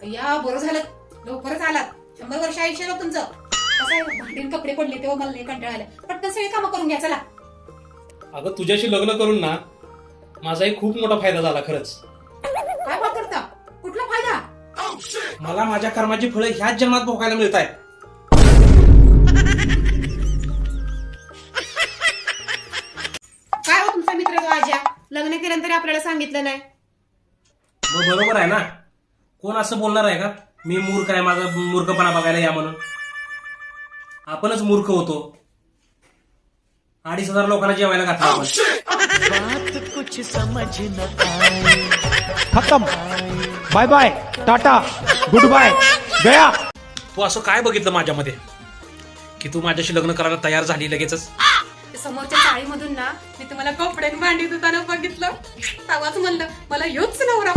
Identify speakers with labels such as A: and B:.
A: या बरं झालं लवकरच आलात. 100 वर्ष आयुष्य आहे तुमचं. कसं आहे भांडीन कपडे पडले तेव्हा मला नाही कंटाळा आला. पटकन सगळी कामं करून घ्या चला.
B: अगं तुझ्याशी लग्न करून ना माझाही खूप मोठा फायदा झाला खरंच.
A: काय बात करता? कुठला फायदा?
B: मला माझ्या कर्माची फळं ह्याच जन्मात भोगायला मिळत आहेत.
A: काय हो तुमचा मित्र तो आज्या लग्न केलं तरी आपल्याला सांगितलं नाही.
B: मग बरोबर आहे ना. कोण असं बोलणार आहे का मी मूर्ख आहे माझा मूर्खपणा बघायला या म्हणून. आपणच मूर्ख होतो. 2,500 लोकांना जेवायला घातलं आपण.
C: खत्म. Bye bye tata good bye गया.
B: तू असं काय बघितलं माझ्यामध्ये की तू माझ्याशी लग्न करायला तयार झाली लगेचच?
A: समोरच्या चाळीमधून ना मी तुम्हाला कपडे भांडी धुताना बघितलं. तेव्हाच म्हणलं मला ह्योच नवरा